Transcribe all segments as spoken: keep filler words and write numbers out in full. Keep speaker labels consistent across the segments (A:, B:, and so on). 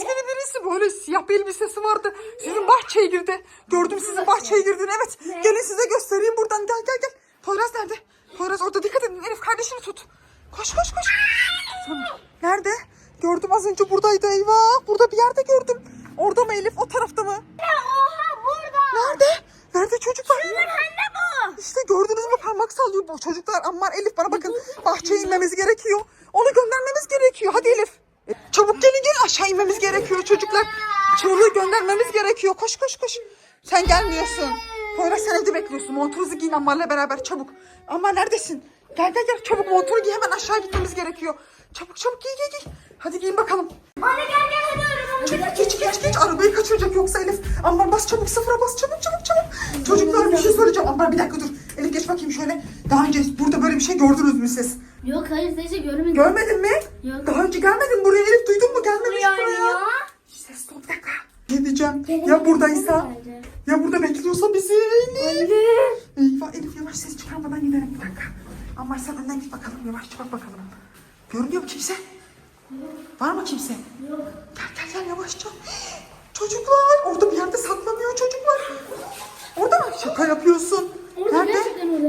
A: maskeli birisi, böyle siyah bir elbisesi vardı. Sizin bahçeye girdi. Gördüm sizin bahçeye girdiğini, evet. Gelin size göstereyim buradan, gel gel gel. Poyraz nerede? Poyraz orada, dikkat edin. Elif kardeşini tut. Koş koş koş. Tamam. Nerede? Gördüm az önce buradaydı, eyvah. Burada bir yerde gördüm. Orada mı Elif, o tarafta mı?
B: Oha burada.
A: Nerede? Nerede çocuklar?
B: Şunun anne bu.
A: İşte gördünüz mü, parmak sallıyor bu çocuklar. Aman Elif, bana bakın, bahçeye inmemiz gerekiyor. Onu göndermemiz gerekiyor. Hadi Elif. Çabuk gelin gelin, aşağı inmemiz gerekiyor çocuklar. Çığlığı göndermemiz gerekiyor. Koş koş koş. Sen gelmiyorsun. Poyraz sen evde bekliyorsun. Montunuzu giyin Ammar'la beraber çabuk. Ammar neredesin? Gel gel gel, çabuk montunu giy, hemen aşağı gitmemiz gerekiyor. Çabuk çabuk giy giy giy. Hadi giyin bakalım.
B: Anne gel gel hadi arabamı.
A: Çabuk geç geç geç, arabayı kaçıracak yoksa Elif. Ammar bas çabuk, sıfıra bas çabuk çabuk çabuk. Çocuklar bir şey söyleyeceğim. Ammar bir dakika dur. Elif geç bakayım şöyle. Daha önce burada böyle bir şey gördünüz mü siz?
B: Yok hayır teyze görmedim.
A: Görmedin mi?
B: Yok.
A: Daha önce gelmedin buraya Elif, duydun mu? Gelmemiş
B: Yani
A: buraya.
B: ya.
A: Ses ol, bir dakika. Ne diyeceğim? Ya buradaysa? Ya burada bekliyorsa bizi? Elif. Eyvah Elif, yavaş ses çıkarmadan gidelim, bir dakika. Ammar sen önden git bakalım, yavaşça bak bakalım. Görünüyor mu kimse? Var mı kimse?
B: Yok.
A: Gel gel gel yavaşça. Çocuklar orada bir yerde saklanıyor çocuklar. Orada mı? Şaka yapıyorsun.
B: Orada
A: Nerede?
B: gerçekten öyle.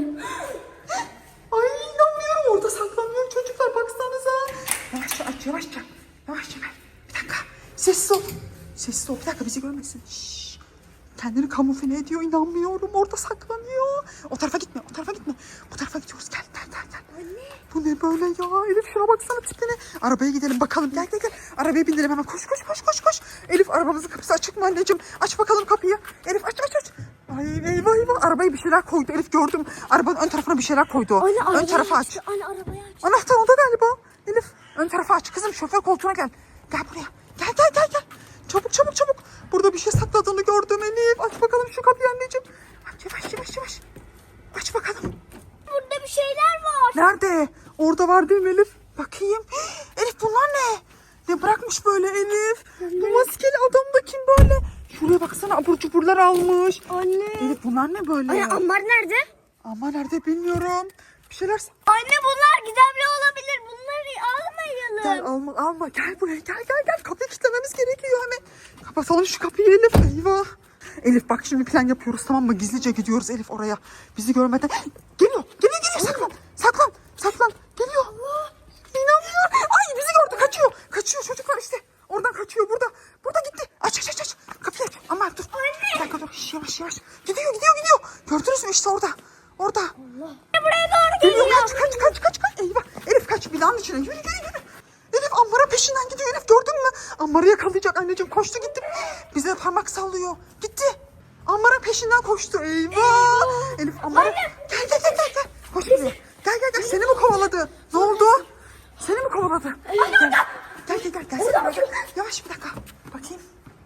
A: Ay inanmıyorum, orada saklanıyor çocuklar, baksanıza. Yavaşça aç, yavaşça. Yavaşça ver. Bir dakika. Sessiz ol. Sessiz ol, bir dakika, bizi görmesin. Şşş. Kendini kamufle ediyor, inanmıyorum. Orada saklanıyor. O tarafa gitme, o tarafa gitme. Bu tarafa gidiyoruz. Gel gel gel gel.
B: Anne.
A: Bu ne böyle ya? Elif şuna baksana tipine. Arabaya gidelim bakalım. Gel gel gel. Arabaya bindirelim hemen. Koş koş koş koş koş. Elif, arabamızın kapısı açık mı anneciğim? Aç bakalım kapıyı. Elif aç aç aç. Ay eyvah eyvah. Arabaya bir şeyler koydu. Elif gördüm. Arabanın ön tarafına bir şeyler koydu.
B: Anne
A: Ön tarafı aç.
B: Anne arabayı aç.
A: Anahtar orada galiba. Elif ön tarafı aç. Kızım şoför koltuğuna gel. Gel buraya. Gel gel gel gel. Çabuk çabuk çabuk. Burada bir şey sakladığını gördüm Elif. Aç bakalım şu kapıyı anneciğim. Aç yavaş yavaş yavaş. Aç bakalım.
B: Burada bir şeyler var.
A: Nerede? Orada var değil mi Elif? Bakayım. Elif bunlar ne? Ne bırakmış böyle Elif? Bu maskeli adam da kim böyle? Şuraya baksana, abur cuburlar almış.
B: Anne.
A: Elif bunlar ne böyle?
B: Anne Ammar nerede?
A: Ama nerede bilmiyorum. Bir şeyler...
B: Anne bunlar gizemli olabilir. Bunları almayalım.
A: Gel alma alma, gel buraya, gel gel gel. Kapıyı kilitlememiz gerekiyor hemen. Kapatalım şu kapıyı Elif. Eyvah. Elif bak, şimdi plan yapıyoruz, tamam mı? Gizlice gidiyoruz Elif oraya. Bizi görmeden. Geliyor geliyor geliyor, saklan saklan saklan. Geliyor. İnanmıyorum. Ay bizi gördü, kaçıyor. Kaçıyor çocuklar işte. Oradan kaçıyor, burada. Burada gitti. Aç aç aç aç. Kapıyı aç. Aman dur. Bir dakika dur. Şş, yavaş yavaş. Gidiyor gidiyor gidiyor. Gördünüz mü işte orada. Orada.
B: Allah. Buraya doğru geliyor.
A: Geliyor, kaç kaç kaç kaç kaç. Eyvah. Elif kaç, binanın içine. Yürü yürü yürü. Elif Ammar'ın peşinden gidiyor Elif, gördün mü? Ammar'ı yakalayacak anneciğim, koştu gitti. Bize parmak sallıyor. Gitti. Ammar'ın peşinden koştu. Eyvah. Elif Ammar'ı... Gel gel gel gel gel. Koş buraya. Gel gel gel. Seni mi kovaladı? Ne oldu? Seni mi kovaladı? Gel gel gel. Gel, gel. Gel. Gel. Yavaş bir dakika. Bakayım.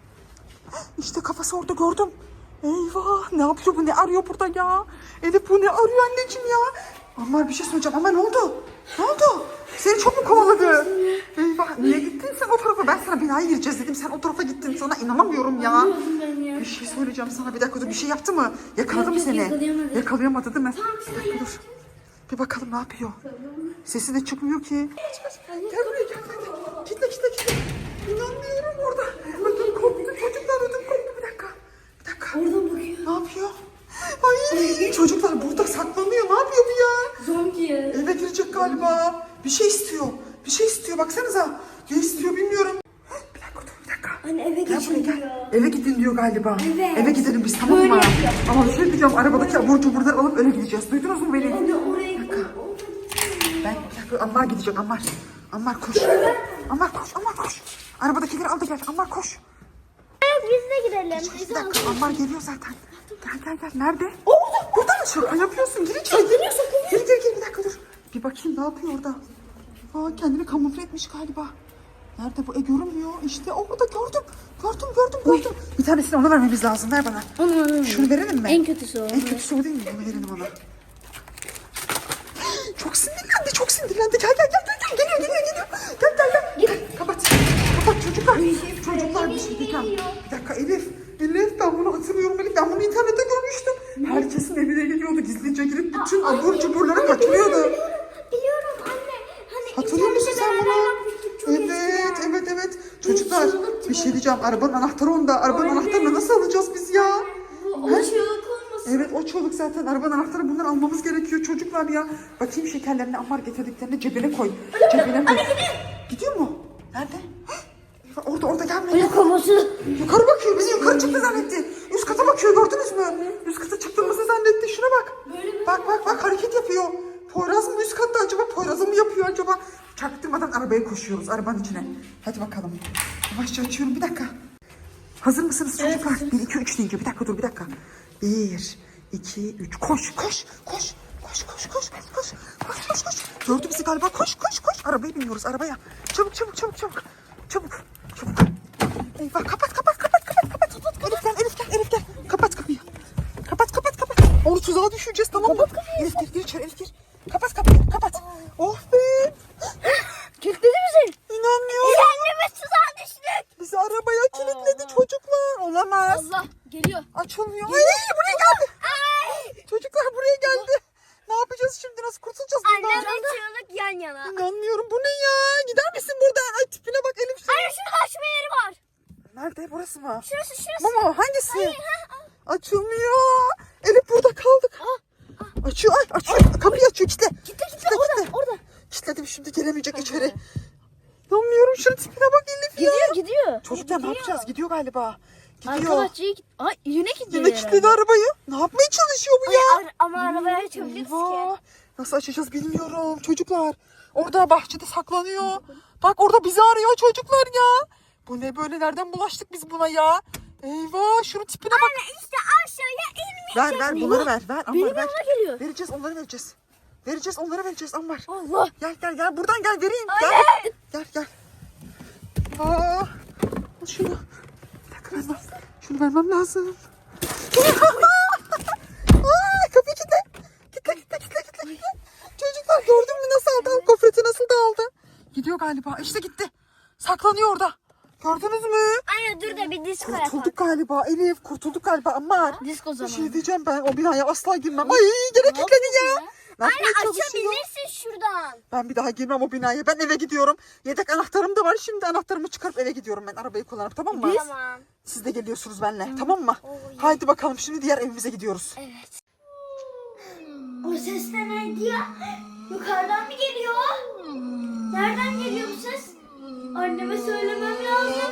A: İşte kafası orada, gördüm. Eyvah, ne yapıyor bu, ne arıyor burada ya? Elif bu ne arıyor anneciğim ya? Ammar bir şey söyleyeceğim ama ne oldu? Ne oldu? Seni çok mu kovaladı? Eyvah, niye gittin sen o tarafa? Ben sana binaya gireceğiz dedim, sen o tarafa gittin, sana inanamıyorum ya. Bir şey söyleyeceğim sana, bir dakika dur, bir şey yaptı mı? Yakaladı mı seni?
B: yakalayamadı.
A: Yakalayamadı değil mi? Bir dakika dur. Bir bakalım ne yapıyor? Sesi de çıkmıyor ki. Gel buraya, gel gel. Kitle kitle kitle. İnanmıyorum orada. Ödüm koptu çocuklar, ödüm koptu, bir dakika. Bir dakika.
B: Oradan bakıyor.
A: Ne yapıyor? Ay çocuklar burada saklanıyor. Ne yapıyor bu ya?
B: Zombi.
A: Eve girecek galiba. Bir şey istiyor. Bir şey istiyor, baksanıza. Ne istiyor bilmiyorum. Bir dakika dur, bir dakika.
B: Anne eve
A: Gel buraya
B: geçin
A: gel.
B: diyor.
A: Eve gidin diyor galiba.
B: Evet.
A: Eve gidelim biz, tamam
B: Böyle
A: mı?
B: yapıyor.
A: Ama bir şey diyeceğim, arabadaki abur cuburları alıp öyle gideceğiz. Duydunuz mu beni?
B: Anne oraya
A: Bir dakika. Ben bir dakika, Ammar gidecek, Ammar. Ammar koş. Ammar koş, Ammar koş. Arabadakileri al da gel, Ammar koş.
B: Biz de gidelim.
A: Bir dakika, Ammar geliyor zaten. Gel gel gel. Nerede? Oo, burada mı? Şaka yapıyorsun. Gir içeri. Gir. Gir gir gir. Bir dakika dur. Bir bakayım ne yapıyor orada. Aa, kendini kamufle etmiş galiba. Nerede bu? E görünmüyor. İşte orada, gördüm. Gördüm gördüm gördüm. Bir tanesini ona vermemiz lazım. Ver bana.
B: Onu alalım.
A: Şunu verelim mi?
B: En kötüsü o.
A: En kötüsü o değil mi? Bunu verelim ona. Çok sinirlendi. Çok sinirlendi. Gel gel gel. gel. Geliyor geliyor geliyor. Gel gel gel. Gel. Kapat. Kapat çocuklar. Çocuklar bir şey diyeceğim. Bir dakika Elif. Elif ben bunu hatırlıyorum Elif. Ben bunu internette görmüştüm. Herkesin evine geliyordu. Gizlice girip bütün abur cuburları kaçırıyordu.
B: Biliyorum anne. Hani
A: Hatırlıyor musun sen bunu?
B: Çok
A: Evet, evet, evet. Çocuklar bir şey diyeceğim. Arabanın anahtarı onda. Arabanın anahtarını nasıl alacağız biz ya?
B: Bu o çığlık olmasın.
A: Evet o çoluk zaten. Arabanın anahtarı, bunları almamız gerekiyor çocuklar ya. Bakayım şekerlerini Ammar getirdiklerini cebine koy. Cebine koy. Gidiyor mu? Nerede? Eyvah, orada orada gelmiyor.
B: Öyle kovması.
A: Yukarı bakıyor. Bizi yukarı çıktı zannetti. Üst kata bakıyor, gördünüz mü? Üst kata çıktığımızı zannetti. Şuna bak. Bak bak bak, hareket yapıyor. Poyraz mı üst katta acaba? Poyraz'ı mı yapıyor acaba? Çaktırmadan arabaya koşuyoruz, arabanın içine. Hadi bakalım. Yavaşça açıyorum, bir dakika. Hazır mısınız çocuklar? Bir, iki, üç deyince. Bir dakika dur, bir dakika. Bir, iki, üç. Koş, koş, koş. Koş, koş, koş, koş, koş. Koş, koş, koş. Gördü bizi galiba. Koş, koş, koş. Arabaya biniyoruz, arabaya. Çabuk, çabuk, çabuk, çabuk. Çabuk, çabuk. Eyvah, kapat, kapat, kapat, kapat, kapat. Elif gel, Elif gel, Elif gel. Kapat kapıyı. Kapat, kapat, kapat. Onu tuzağa düşüreceğiz, tamam mı? Elif gir, gir içeri, Elif gir. Kapat kapıyı, kapat. Oh be.
B: Kilitledi bizi.
A: İnanmıyorum.
B: Annemiz tuzağa düştük.
A: Bizi arabaya kilitledi çocuklar. Olamaz.
B: Allah geliyor.
A: Açılmıyor. Ay, buraya geldi.
B: Ay.
A: Çocuklar buraya geldi. Ne yapacağız şimdi? Nasıl kurtulacağız bundan?
B: Annem ve çığlık yan yana.
A: İnanmıyorum. Bu ne ya? Gider misin buradan? Ay tipine bak Elif.
B: Anne şurada açma yeri var.
A: Nerede? Burası mı?
B: Şurası şurası.
A: Bu mu? Hangisi?
B: Hayır, ha, ha.
A: Açılmıyor. Elif burada kaldık. Açıyor. Ay açıyor. Kapıyı açıyor. Kitle.
B: Kitle kitle orada orada.
A: Kitledim, şimdi gelemeyecek içeri. İnanmıyorum. Şunun tipine bak Elif ya.
B: Gidiyor gidiyor.
A: Çocuklar ne yapacağız? Gidiyor galiba. Gidiyor.
B: Arka bahçeye git. Ay yine gidiyor.
A: Yine kilitledi arabayı. Ne yapmaya çalışıyor bu ya?
B: Ay, ar- ama arabayı açabiliriz
A: Eyvah.
B: ki.
A: Nasıl açacağız bilmiyorum çocuklar. Orada bahçede saklanıyor. Bak orada bizi arıyor çocuklar ya. Bu ne böyle, nereden bulaştık biz buna ya? Eyvah, şunun tipine bak.
B: Anne işte aşağıya inmeyeceğim.
A: Ver ver bunları ver. ver. Ammar,
B: Benim
A: ver.
B: yanıma geliyor.
A: Vereceğiz, onları vereceğiz. Vereceğiz, onları vereceğiz Ammar.
B: Allah.
A: Gel gel gel, buradan gel, vereyim. Gel
B: Anne.
A: gel gel. Aa, al şunu. Bir dakika, vermem. Şunu vermem lazım. Aa, kapıyı kilitle. Kitle kitle kitle kitle. kitle. Çocuklar gördün mü nasıl aldı? Al, gofreti nasıl da aldı. Gidiyor galiba. İşte gitti. Saklanıyor orada. Gördünüz mü?
B: Anne dur da bir disko yapalım.
A: Kurtulduk galiba Elif. Kurtulduk galiba ama.
B: Disko
A: Bir
B: zamanı.
A: şey diyeceğim, ben o binaya asla girmem. Ay gene kilitledi ya. Ne
B: Anne
A: yapmaya çalışıyor?
B: açabilirsin şuradan.
A: Ben bir daha girmem o binaya. Ben eve gidiyorum. Yedek anahtarım da var. Şimdi anahtarımı çıkarıp eve gidiyorum ben, arabayı kullanıp, tamam mı?
B: Tamam.
A: Siz de geliyorsunuz benimle, tamam mı? Haydi bakalım, şimdi diğer evimize gidiyoruz.
B: Evet. O ses de neydi ya? Yukarıdan mı geliyor? Nereden geliyor bu ses? Anneme söylemem lazım.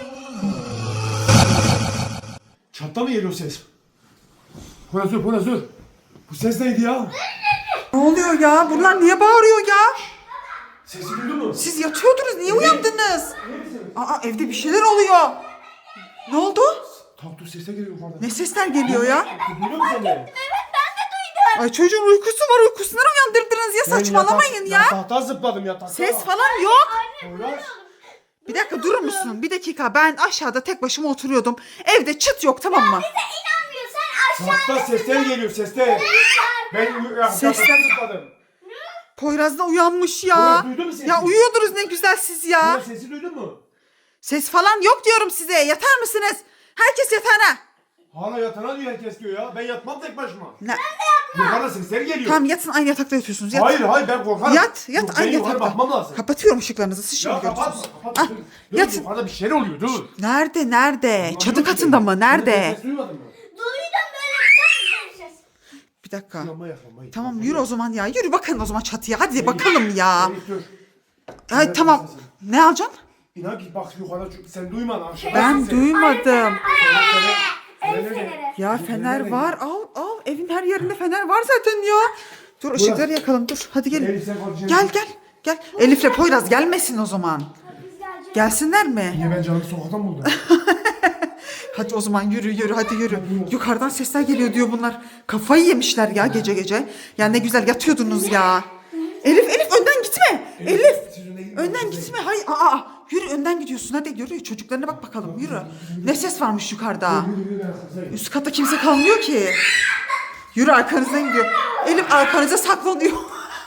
C: Çatta mı geliyor ses? Poyrazur, Poyrazur. Bu ses neydi ya?
A: Ne oluyor ya? Bunlar niye bağırıyor ya?
C: Sesi duydun mu?
A: Siz yatıyordunuz. Niye uyandınız? Aa, evde bir şeyler oluyor. Ne oldu?
C: Tatlı sesler geliyor yukarıdan.
A: Ne sesler geliyor ya?
C: Duyuyor musun sen de?
A: Ay çocuğun uykusu var. Uykusundan uyandırdınız ya. Saçmalamayın ya.
C: Yatakta zıpladım yatakta.
A: Ses falan yok.
C: Poyraz.
A: Bir dakika durur musun? Bir dakika, ben aşağıda tek başıma oturuyordum. Evde çıt yok, tamam mı?
B: İnanmıyor sen aşağı.
C: Yatakta sesler geliyor sesler. Ben yatakta
A: Sesler-
C: zıpladım.
A: Poyraz da uyanmış ya.
C: Poyraz, duydun mu sesi?
A: Ya uyuyordunuz ne güzel siz ya.
C: Poyraz sesi duydun mu?
A: Ses falan yok diyorum size. Yatar mısınız? Herkes yatağına.
C: Hala yatana diyor herkes diyor ya. Ben yatmam tek başıma.
A: Ne?
C: Yukarıda sesler geliyor.
A: Tamam yatın, aynı yatakta yatıyorsunuz. Yat.
C: Hayır hayır ben korkarım.
A: Yat, yat
C: Yok,
A: aynı
C: benim yukarı
A: yatakta.
C: bakmam lazım.
A: Kapatıyorum ışıklarınızı. Siz şimdi
C: Ya kapatma
A: görürsünüz.
C: kapatma.
A: Ah,
C: Dur, dur,
A: yatın.
C: yukarıda bir şeyler oluyor dur.
A: Nerede, nerede? Çatı katında mı?
C: Ben
A: Nerede?
C: ses duymadın mı?
B: Duydum böyle bir ses.
A: Bir dakika.
C: Yanma yakma.
A: Tamam yürü o zaman ya. Yürü bakın o zaman çatıya. Hadi bakalım ya.
C: Elif dur.
A: Ay tamam. Ne alacaksın?
C: İnan ki bak yukarıda çünkü sen duymadın aşağıda.
A: Ben
C: sesi.
A: duymadım.
B: El
C: Fener
B: feneri.
A: Ya fener var. Al al. Evin her yerinde fener var zaten ya. Dur ışıkları yakalım. Dur. Hadi gelin.
C: Elif sen konuşacaksın.
A: Gel gel. Gel. Elif'le Poyraz gelmesin o zaman.
B: Biz geleceğiz.
A: Gelsinler mi?
C: Niye ben canımı sokaktan buldum?
A: Hadi o zaman yürü yürü hadi yürü. Yukarıdan sesler geliyor diyor bunlar. Kafayı yemişler ya gece gece. Ya ne güzel yatıyordunuz ya. Elif Elif önden gitme. Elif.
C: Siz öne gidin,
A: Önden
C: siz
A: gitme. Hayır. Aa, aa. Yürü önden gidiyorsun. Hadi yürü. Çocuklarına bak bakalım. Yürü. Ne ses varmış yukarıda?
C: Yürü, yürü, ben arkasındayım.
A: Üst katta kimse kalmıyor ki. Yürü arkanızdan gidiyor. Elif arkanıza saklanıyor.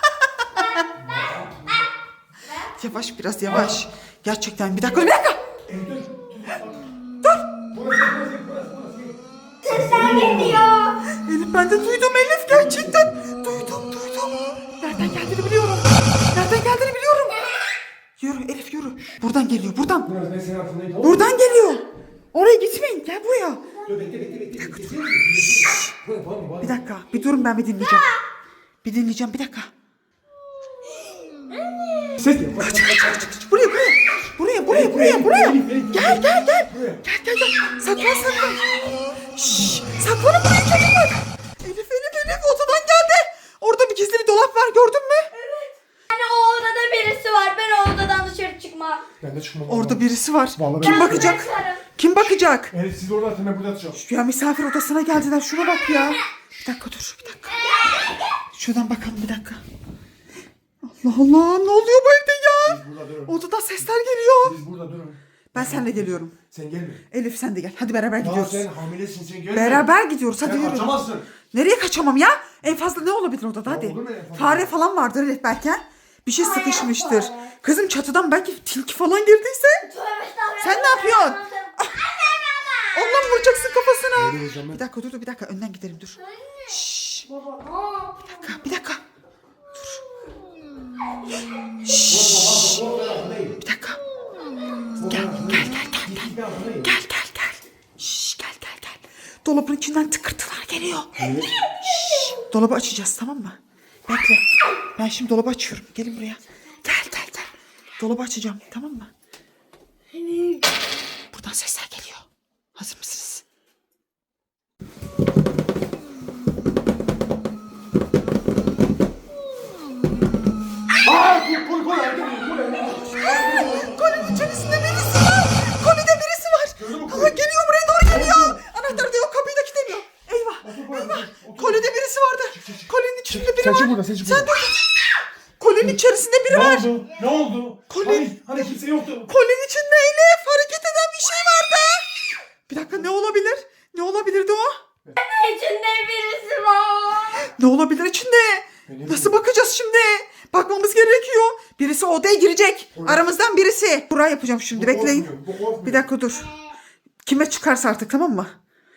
A: Yavaş biraz yavaş. Gerçekten bir dakika bir dakika.
C: Elif dur. Dur. Burası burası burası burası.
B: Sesler geliyor.
A: Elif ben de duydum Elif gerçekten. Duydum duydum. Nereden geldiğini biliyorum. Nereden geldiğini biliyorum. Yürü Elif yürü. Buradan geliyor buradan.
C: Poyraz ben senin altındayım. Tamam.
A: Buradan geliyor. Oraya gitmeyin. Gel buraya.
C: Dur bekle bekle bekle. bekle. Poyraz bağırma bağırma.
A: Bir dakika. Bir durun ben bir dinleyeceğim. Bir dinleyeceğim bir dakika.
C: Ses yok.
A: Buraya buraya. Buraya buraya buraya buraya. Gel gel gel. Gel gel gel. Saklan saklan. Şşş. Saklanın buraya çocuklar. Elif Elif Elif odadan geldi. Orada bir gizli bir dolap var gördün mü?
B: Yani o odada birisi var. Ben o odadan dışarı çıkmam.
C: Ben de çıkmam.
A: Orada birisi var.
C: Vallahi
A: Kim
C: ben-
A: bakacak? Kim bakacak?
C: Elif siz orada atın ben burada atacağım.
A: Ya misafir odasına geldiler. Şuna bak ya. Bir dakika dur bir dakika. Şuradan bakalım bir dakika. Allah Allah ne oluyor bu evde ya?
C: Siz burada durun.
A: Odadan sesler geliyor.
C: Siz burada durun.
A: Ben seninle geliyorum.
C: Sen gelme.
A: Elif sen de gel. Hadi beraber
C: Ya
A: gidiyoruz.
C: sen hamilesin sen gelme.
A: Beraber gidiyoruz. Hadi
C: Sen
A: yürü.
C: kaçamazsın.
A: Nereye kaçamam ya? En fazla ne olabilir odada?
C: Ya
A: Hadi.
C: olur mu en fazla?
A: Fare falan vardır Elif belki. ha? Bir şey sıkışmıştır. Kızım çatıdan belki tilki falan girdiyse. Sen ne yapıyorsun? Ondan mı vuracaksın kafasına?
C: Nereye vuracağım ben?
A: Bir dakika dur dur bir dakika önden gidelim dur. Şşş.
B: Baba ne yapıyorsun?
A: Bir dakika. Bir dakika. Gel gel gel gel gel. Gel gel gel. Şşş gel gel gel. Dolabın içinden tıkırtılar geliyor. Şşş. Dolabı açacağız tamam mı? Bekle. Ben şimdi dolabı açıyorum. Gelin buraya. Gel gel gel. Dolabı açacağım tamam mı? Buradan sesler geliyor. Hazır mısınız?
C: Aaa koy koy koy. Hareket edin, koy, hareket edin.
A: Kolinin içerisinde birisi var. Kolide birisi var. Ama geliyor buraya doğru geliyor. Anahtar da yok kapıyı da kilitlemiyor. Eyvah. Eyvah. Kolide birisi vardı. Kolinin içinde biri
C: Sen
A: var.
C: çık buradan sen çık buradan.
A: Sen dur. Kolinin içerisinde biri
C: Ne
A: var.
C: oldu? Ne oldu?
A: Kolye-
C: Hani, hani kimse yoktu.
A: Kolinin içinde Elif hareket eden bir şey vardı. Bir dakika ne olabilir? Ne olabilirdi o?
B: İçinde birisi var.
A: Ne olabilir içinde? Nasıl bakacağız şimdi? Bakmamız gerekiyor. Birisi odaya girecek. Aramızdan birisi. Buraya yapacağım şimdi.
C: Bu
A: Bekleyin.
C: korkmuyor, bu korkmuyor.
A: Bir dakika dur. Kime çıkarsa artık tamam mı?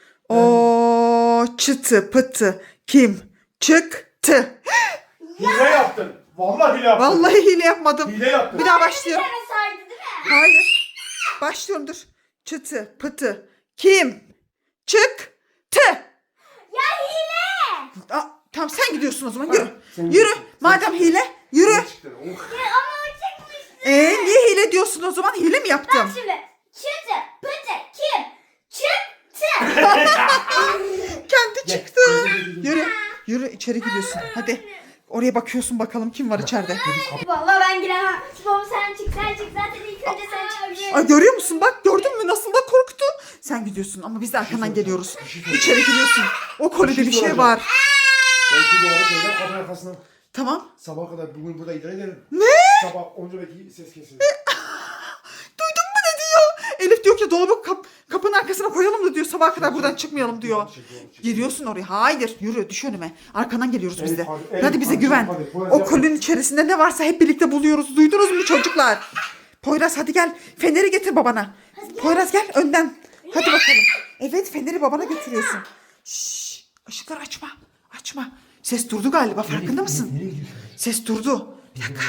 A: O çıtı pıtı kim çıktı?
C: Hile yaptın. Vallahi hile yaptın.
A: Vallahi hile yapmadım.
C: Hile yaptın.
A: Bir daha
B: Bir
A: başlıyorum.
B: tane saydı değil mi?
A: Hayır. Başlıyorum dur. Çıtı pıtı kim çıktı?
B: Ya hile.
A: Aa, tamam sen gidiyorsun o zaman yürü.
C: sen
A: Yürü.
C: gidiyorsun.
A: Madem hile yürü.
C: Ne çıktı? Oh.
B: Ya ama o çıkmıştı.
A: Ee, niye hile diyorsun o zaman? Hile mi
B: Bak
A: yaptım?
B: şimdi. Çıtı pıtı kim çıktı.
A: Kendi
C: Gel.
A: çıktı.
C: Yürü,
A: Yürü. Yürü içeri gidiyorsun. Hadi. Oraya bakıyorsun bakalım kim var içeride.
B: Vallahi ben giremem. Baba sen çık sen çık zaten ilk önce sen çıkacaksın.
A: Ay görüyor musun bak gördün mü nasıl da korktu. Sen gidiyorsun ama biz de arkandan geliyoruz. İçeri giriyorsun. O kolide bir şey
C: soracağım.
A: var.
C: Ben şu dolabı şeyden kapının arkasına
A: Tamam.
C: sabah kadar bugün burada idare ederim.
A: Ne?
C: Sabah onca belki ses kesilir.
A: Duydun mu ne diyor? Elif diyor ki dolabı kap kapının arkasına koyalım da diyor sabaha kadar buradan çıkmayalım diyor. Giriyorsun oraya. Hayır yürü düş önüme. Arkandan geliyoruz biz de.
C: Elif, hadi, Elif,
A: Hadi bize
C: hadi,
A: güven.
C: hadi, Poyraz
A: O
C: yapma.
A: kolinin içerisinde ne varsa hep birlikte buluyoruz. Duydunuz mu çocuklar? Poyraz hadi gel. Feneri getir babana. Poyraz gel önden. Hadi bakalım. Evet feneri babana götürüyorsun. Şşş. Işıkları açma. Açma. Ses durdu galiba farkında mısın?
C: Nereye gidiyorsun?
A: Ses durdu. Bir dakika.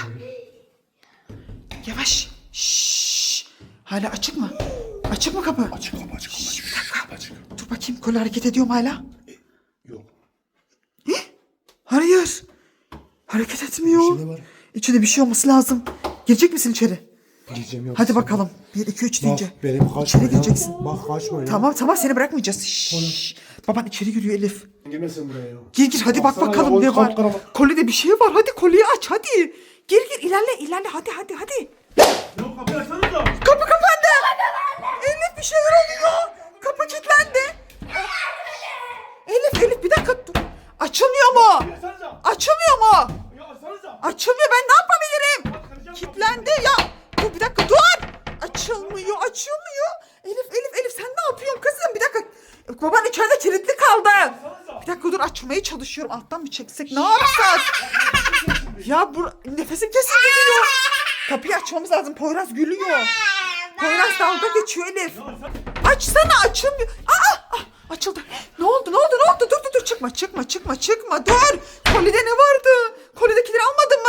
A: Yavaş. Şşş. Hala açık mı? Açık mı kapı?
C: Açık kapı açık kapı açık. Kapı açık.
A: Dur bakayım kol hareket ediyor mu hala?
C: Yok.
A: Hayır. Hareket etmiyor.
C: İçinde var.
A: İçinde bir şey olması lazım. Girecek misin içeri?
C: Gireceğim yok.
A: Hadi bakalım. Bir, iki, üç deyince.
C: Bak benim kaçma
A: İçeri
C: ya.
A: gireceksin.
C: Bak kaçma ya.
A: Tamam tamam seni bırakmayacağız. Şşş. Baban içeri giriyor Elif.
C: Girmesin buraya ya.
A: Gir gir hadi bak
C: Baksana
A: bakalım
C: ya,
A: ne
C: o
A: var.
C: kapkaranlık.
A: Kolide bir şey var. Hadi kolyeyi aç hadi. Gir gir ilerle ilerle hadi hadi hadi.
C: Yok kapıyı açsanıza.
A: Kapı kapandı. Elif bir şeyler oluyor. Kapı kilitlendi. Elif Elif bir dakika dur. Açılmıyor mu?
C: Açsanıza.
A: Açılmıyor mu?
C: Ya açsanıza.
A: Açılmıyor ben ne yapabilirim? Kilitlendi ya. Dur bir dakika dur. Açılmıyor açılmıyor. Elif Elif Elif sen ne yapıyorsun kızım? Bir dakika. Baban içeride kilitli kaldı. Bir dakika dur açmaya çalışıyorum. Alttan mı çeksek ne yapsak? Ya bu nefesim kesildi diyor. Kapıyı açmamız lazım. Poyraz gülüyor. Poyraz dalga geçiyor Elif. Açsana açılmıyor. Aa, ah, açıldı. Ne oldu ne oldu ne oldu? Dur dur dur çıkma çıkma çıkma çıkma. Dur. Kolide ne vardı? Kolidekileri almadın mı?
C: Yok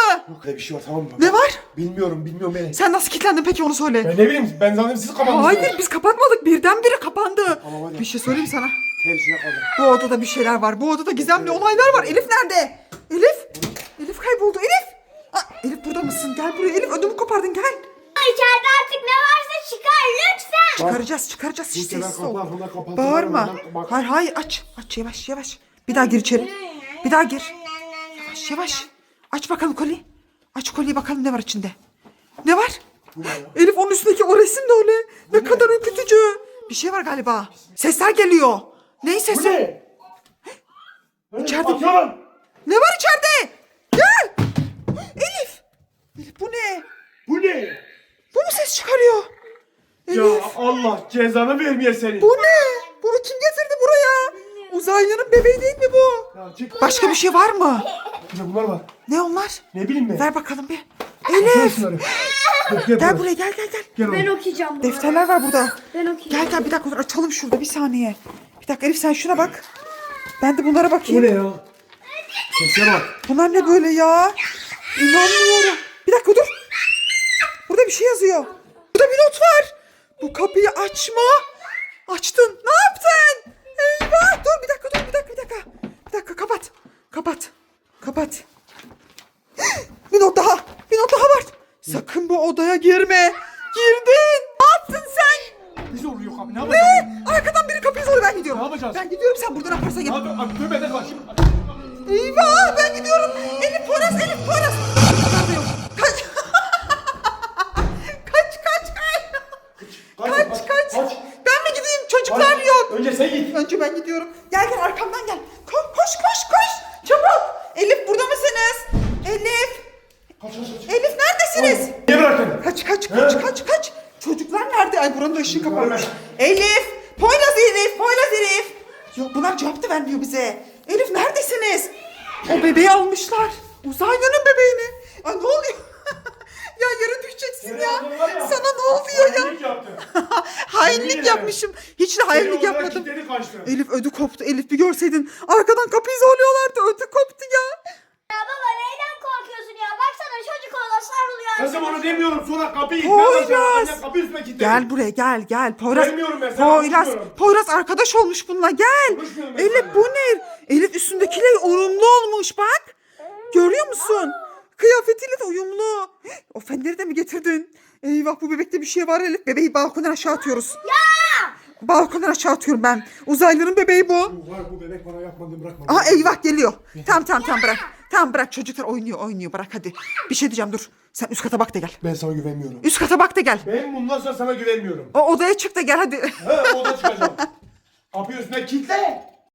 C: Burada bir şey var tamam mı?
A: Ne var?
C: Bilmiyorum bilmiyorum beni.
A: Sen nasıl kilitlendin peki onu söyle.
C: Ben ne bileyim ben zannettim siz kapandınız.
A: Hayır biz kapatmadık. Birdenbire kapandı.
C: Tamam, hadi.
A: Bir şey söyleyeyim sana.
C: Ter içine kaldım.
A: Bu odada bir şeyler var. Bu odada gizemli olaylar var. Elif nerede? Elif? Elif kayboldu. Elif? Aa, Elif burada mısın? Gel buraya. Elif ödümü kopardın gel.
B: İçeride artık ne varsa çıkar lütfen.
A: Çıkaracağız çıkaracağız. Hiç
C: Bu sefer
A: sessiz ol.
C: kapı arkında kapatsın.
A: Bağırma.
C: Bak.
A: Hayır hayır aç. Aç yavaş yavaş. Bir daha gir içeri. Bir daha gir. Yavaş yavaş. Aç bakalım kolyeyi. Aç kolyeyi bakalım ne var içinde. Ne var? Elif onun üstündeki o resim de öyle. Ne kadar ürkütücü. Bir şey var galiba. Sesler geliyor. Ne
C: Bu
A: sesi?
C: ne?
A: İçeride-
C: Atıyorum.
A: Ne var içeride? Gel. Elif. Elif bu ne?
C: Bu ne?
A: Bu mu ses çıkarıyor?
C: Ya
A: Elif.
C: Allah cezanı vermeye seni.
A: Bu ne? Bunu kim getirdi buraya? Uzaylının bebeği değil mi bu?
C: Ya çık.
A: Başka bir şey var mı?
C: Bir de bunlar var.
A: Ne onlar?
C: Ne bileyim ben.
A: Ver bakalım bir.
C: Baksana
A: Elif.
C: şunları. Gel, gel,
A: Gel buraya gel gel gel.
C: Gel
B: Ben
C: oğlum.
B: okuyacağım bunu.
A: Defterler var burada.
B: Ben okuyacağım.
A: Gel gel bir dakika dur açalım şurada bir saniye. Bir dakika Elif sen şuna bak. Ben de bunlara
C: Bu
A: bakayım.
C: ne ya? Sese bak.
A: Bunlar ne böyle ya? İnanmıyorum. Bir dakika dur. Burada bir şey yazıyor. Burada bir not var. Bu kapıyı açma. Açtın. Ne yaptın? Eyvah. Dur bir dakika dur bir dakika bir dakika. Bir dakika kapat. Kapat. Kapat. Bir not daha. Bir not daha var. Sakın bu odaya girme. Girdin. Ne yaptın sen?
C: Bizi vuruyor kapı. Ne yapacağız?
A: Ne? Arkadan biri kapıyı zorluyor. Ben gidiyorum.
C: Ne yapacağız?
A: Ben gidiyorum sen burada ne yaparsan
C: Ne
A: yap.
C: yapıyorsun? Abi dur benden kaç.
A: Eyvah ben gidiyorum. Elif Poyraz Elif Poyraz. Çocuklar da yok. Kaç. kaç kaç kaç. Kaç kaç. Ben mi gideyim? Çocuklar
C: Kaç.
A: yok.
C: Önce sen git.
A: Önce ben gidiyorum. Gel gel arkamdan gel. Koş koş koş koş. Çabuk. Elif burada mısınız? Elif.
C: Kaç kaç kaç.
A: Elif neredesiniz?
C: Niye bıraktın?
A: Kaç kaç kaç
C: He?
A: kaç kaç. Çocuklar nerede? Ay buranın da ışığı kapanmış.
C: Görmez.
A: Elif. Poyraz Elif. Poyraz Elif. Yok bunlar cevap da vermiyor bize. Elif neredesiniz? O bebeği almışlar. Uzaylının bebeğini. Ay ne oluyor? Ya yere düşeceksin
C: Seni
A: ya.
C: aldılar ya.
A: Sana ne oluyor ya?
C: Hainlik yaptın.
A: Hainlik
C: Yemin
A: yapmışım. Hiç de hainlik
C: Seni odaya
A: yapmadım.
C: kilitledi, kaçtı.
A: Elif ödü koptu. Elif bir görseydin. Arkadan kapıyı zorluyorlardı. Ödü koptu ya.
B: Ya baba neyden korkuyorsun ya? Baksana çocuk ona sarılıyor.
C: Kızım onu demiyorum sonra kapıyı
A: Poyraz.
C: itmeye başladın. Annem kapıyı üstüme kilitledi.
A: Gel buraya gel gel. Poyraz.
C: Gelmiyorum ben, sana
A: Poyraz.
C: konuşmuyorum.
A: Poyraz arkadaş olmuş bununla gel.
C: Konuşmuyorum ben
A: Elif
C: seninle.
A: bu ne? Elif üstündekiyle uyumlu olmuş bak. Görüyor musun? Kıyafetiyle de uyumlu. Hih, o fenleri de mi getirdin? Eyvah bu bebekte bir şey var Elif. Bebeği balkondan aşağı atıyoruz. Ya! Balkondan aşağı atıyorum ben. Uzaylının bebeği bu.
C: Bu var bu bebek bana yapmadığını bırakmadı.
A: Aha eyvah geliyor. Tamam tamam tamam bırak. Tamam bırak çocuklar oynuyor oynuyor bırak hadi. Bir şey diyeceğim dur. Sen üst kata bak da gel.
C: Ben sana güvenmiyorum.
A: Üst kata bak da gel.
C: Ben bundan sonra sana güvenmiyorum.
A: O odaya çık da gel hadi.
C: Ha oda çıkacağım. Kapıyı üstüne kilitle.